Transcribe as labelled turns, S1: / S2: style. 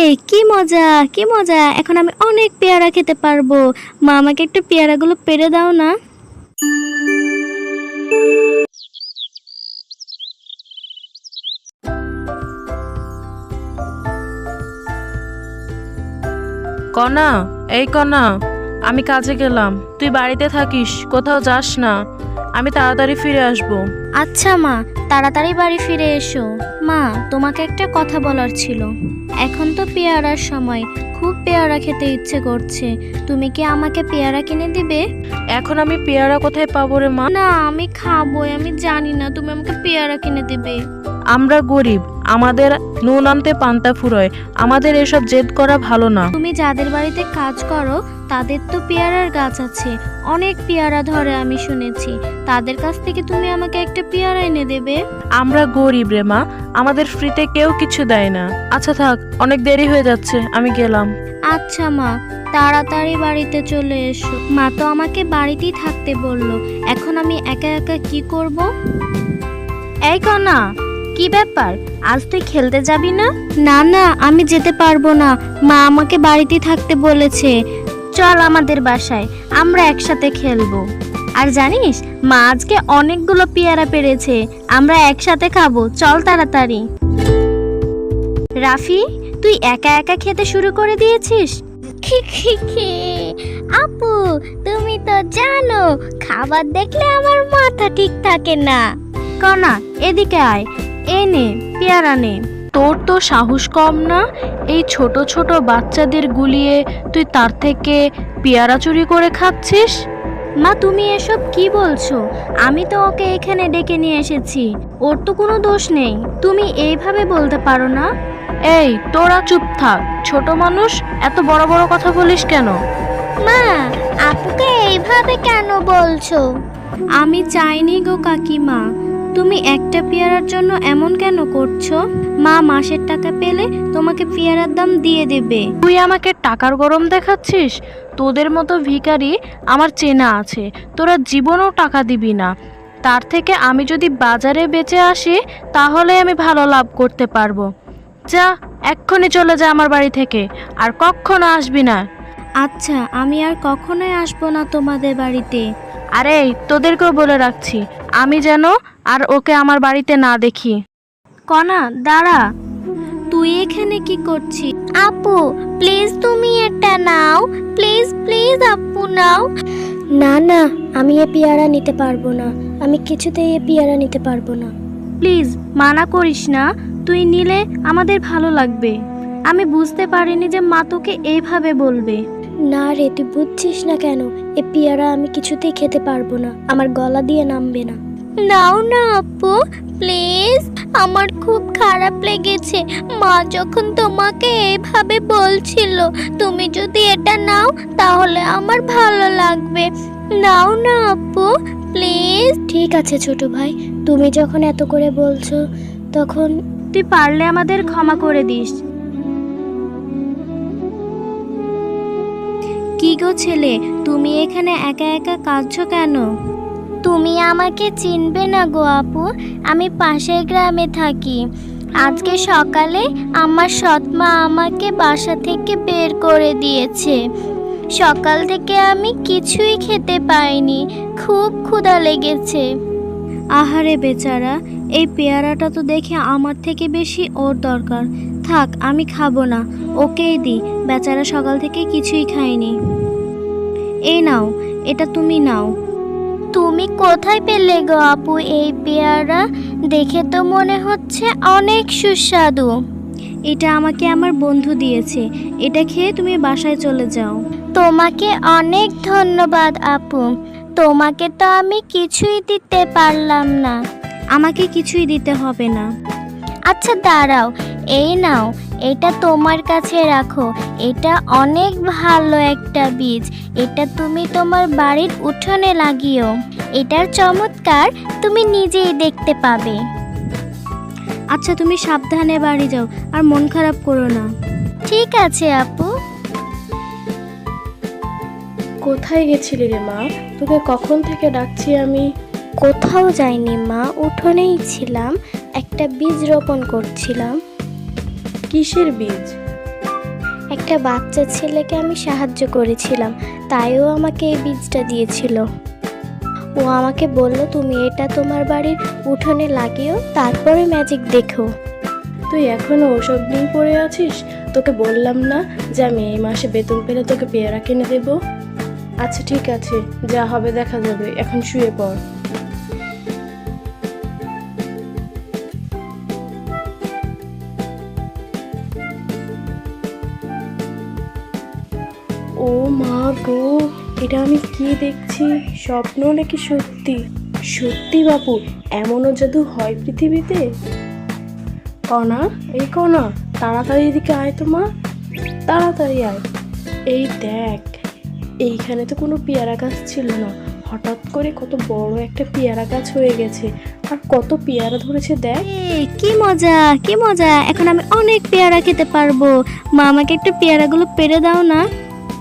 S1: কি মজা কি মজা, এখন আমি অনেক পেয়ারা খেতে পারবো। মা আমাকে একটু পেয়ারাগুলো পেড়ে দাও না।
S2: কনা, এই কনা, আমি কাজে গেলাম, তুই বাড়িতে থাকিস, কোথাও যাস না। আমি তাড়াতাড়ি ফিরে আসব।
S1: আচ্ছা মা, তাড়াতাড়ি বাড়ি ফিরে এসো। মা, তোমাকে একটা কথা বলার ছিল। এখন তো পেয়ারার সময়, খুব পেয়ারা খেতে ইচ্ছে করছে। তুমি কি আমাকে পেয়ারা কিনে দিবে?
S2: এখন আমি পেয়ারা কোথায় পাবো রে মা?
S1: না, আমি খাবো, আমি জানি না, তুমি আমাকে পেয়ারা কিনে দিবে।
S2: আমরা গরিব, আমাদের নুন আনতে পান্তা ফুরোয়, আমাদের এসব জেদ করা ভালো না।
S1: তুমি যাদের বাড়িতে কাজ করো তাদের তো পেয়ারার গাছ আছে, অনেক পেয়ারা ধরে আমি শুনেছি। তাদের কাছ থেকে তুমি আমাকে একটা পেয়ারা এনে দেবে?
S2: আমরা গরিব রে মা, আমাদের ফ্রিতে কেউ কিছু দেয় না। আচ্ছা থাক, অনেক দেরি হয়ে যাচ্ছে, আমি গেলাম।
S1: আচ্ছা মা, তাড়াতাড়ি বাড়িতে চলে এসো। মা তো আমাকে বাড়িতেই থাকতে বললো, এখন আমি একা একা কি করব? এই কনা, কি ব্যাপার, আজ তুই খেলতে যাবি না? না না, আমি যেতে পারবো না, মা আমাকে বাড়িতেই থাকতে বলেছে। চল আমাদের বাসায়, আমরা একসাথে খেলবো। আর জানিস, মা আজকে অনেকগুলো পেয়ারা পেড়েছে, আমরা একসাথে খাবো, চল তাড়াতাড়ি। রাফি, তুই একা একা খেতে শুরু করে দিয়েছিস? আপু, তুমি তো জানো খাবার দেখলে আমার মাথা ঠিক থাকে না। কনা, এদিকে আয়, এই নে পেয়ারা নে।
S2: তোর তো সাহস কম না, এই ছোট ছোট বাচ্চাদের গুলিয়ে তুই তার থেকে পেয়ারা চুরি করে খাচ্ছিস?
S1: মা, তুমি এসব কি বলছো? আমি তো ওকে এখানে ডেকে নিয়ে এসেছি, ওর তো কোনো দোষ নেই। তুমি এইভাবে বলতে পারো না।
S2: এই তোরা চুপ থাক, ছোট মানুষ, এত বড় বড় কথা বলিস কেন?
S1: মা, আপুকে এইভাবে কেন বলছো? আমি চাইনি গো কাকিমা, তুমি একটা পেয়ারার জন্য এমন কেন করছো? মা মাসের টাকা পেলে তোমাকে পেয়ারার দাম দিয়ে দেবে।
S2: তুই আমাকে টাকার গরম দেখাচ্ছিস? তোদের মতো ভিখারি আমার চেনা আছে, তোরা জীবনেও টাকা দিবি না। তার থেকে আমি যদি বাজারে বেচে আসি তাহলে আমি ভালো লাভ করতে পারবো। যা, এক্ষুনি চলে যা আমার বাড়ি থেকে, আর কখনো আসবি না।
S1: আচ্ছা, আমি আর কখনোই আসবো না তোমাদের বাড়িতে।
S2: আরে তোদেরকেও বলে রাখছি, আমি যেন আর ওকে আমার বাড়িতে না দেখি।
S1: কনা, দাঁড়া, তুই এখানে কি করছিস? আপু প্লিজ তুমি এটা নাও, প্লিজ প্লিজ আপু নাও। না না, আমি এ পেয়ারা নিতে পারবো না, আমি কিছুতেই এ পেয়ারা নিতে পারবো না। প্লিজ মানা করিস না, তুই নিলে আমাদের ভালো লাগবে। আমি বুঝতে পারিনি যে মা তোকে এইভাবে বলবে। না রে, তুই বুঝছিস না কেন? এ পেয়ারা আমি কিছুতেই খেতে পারবো না, আমার গলা দিয়ে নামবে না। নাও না আপু, প্লিজ, আমার খুব খারাপ লেগেছে। মা যখন তোমাকে এইভাবে বলছিল, তুমি যদি এটা নাও তাহলে আমার ভালো লাগবে। নাও না আপু, প্লিজ। ঠিক আছে ছোট ভাই, তুমি যখন এত করে বলছো, তখন তুই পারলে আমাদের ক্ষমা করে দিস। কি গো ছেলে, তুমি এখানে একা একা কাঁদছো কেন? তুমি আমাকে চিনবে না গো আপু, আমি পাশের গ্রামে থাকি। আজকে সকালে আমার সৎমা আমাকে বাসা থেকে বের করে দিয়েছে। সকাল থেকে আমি কিছুই খেতে পাইনি, খুব ক্ষুধা লেগেছে। আহারে বেচারা, এই পেয়ারাটা তো দেখে আমার থেকে বেশি ওর দরকার। থাক, আমি খাবো না, ওকেই দিই, বেচারা সকাল থেকে কিছুই খায়নি। এই নাও, এটা তুমি নাও। তুমি কোথায় পেলে গো আপু এই পেয়ারা? দেখে তো মনে হচ্ছে অনেক সুস্বাদু। এটা আমাকে আমার বন্ধু দিয়েছে, এটা খেয়ে তুমি বাসায় চলে যাও। তোমাকে অনেক ধন্যবাদ আপু, তোমাকে তো আমি কিছুই দিতে পারলাম না। আমাকে কিছুই দিতে হবে না। আচ্ছা দাঁড়াও, এই নাও, এটা তোমার কাছে রাখো। এটা অনেক ভালো একটা বীজ, এটা তুমি তোমার বাড়ির উঠোনে লাগিও। এটার চমৎকার তুমি নিজেই দেখতে পাবে। আচ্ছা, তুমি সাবধানে বাড়ি যাও, আর মন খারাপ করো না। ঠিক আছে আপু।
S3: কোথায় গেছিলি রে মা? তোকে কখন থেকে ডাকছি আমি।
S1: কোথাও যাইনি মা, উঠোনেই ছিলাম, একটা বীজ রোপণ করছিলাম।
S3: কিসের বীজ?
S1: একটা বাচ্চা ছেলেকে আমি সাহায্য করেছিলাম, তাই ও আমাকে এই বীজটা দিয়েছিল। ও আমাকে বলল তুমি এটা তোমার বাড়ির উঠোনে লাগিও, তারপরে ম্যাজিক দেখো।
S3: তুই এখনো ওসব নিয়ে পড়ে আছিস? তোকে বললাম না যে আমি এই মাসে বেতন পেলে তোকে পেয়ারা কিনে দেব? আচ্ছা ঠিক আছে, যা হবে দেখা যাবে, এখন শুয়ে পড়। ও মা গো, এটা আমি কি দেখছি? স্বপ্ন নাকি সত্যি? সত্যি বাপু, এমনও জাদু হয় পৃথিবীতে? কণা, এই কণা, তাড়াতাড়ি এদিকে আয় তো মা, তাড়াতাড়ি আয়। এই দেখ, এইখানে তো কোনো পেয়ারা গাছ ছিল না, হঠাৎ করে কত বড় একটা পেয়ারা গাছ হয়ে গেছে, আর কত পেয়ারা ধরেছে দেখ।
S1: কি মজা, কি মজা! এখন আমি অনেক পেয়ারা খেতে পারবো। মা, আমাকে একটু পেয়ারাগুলো পেড়ে দাও না।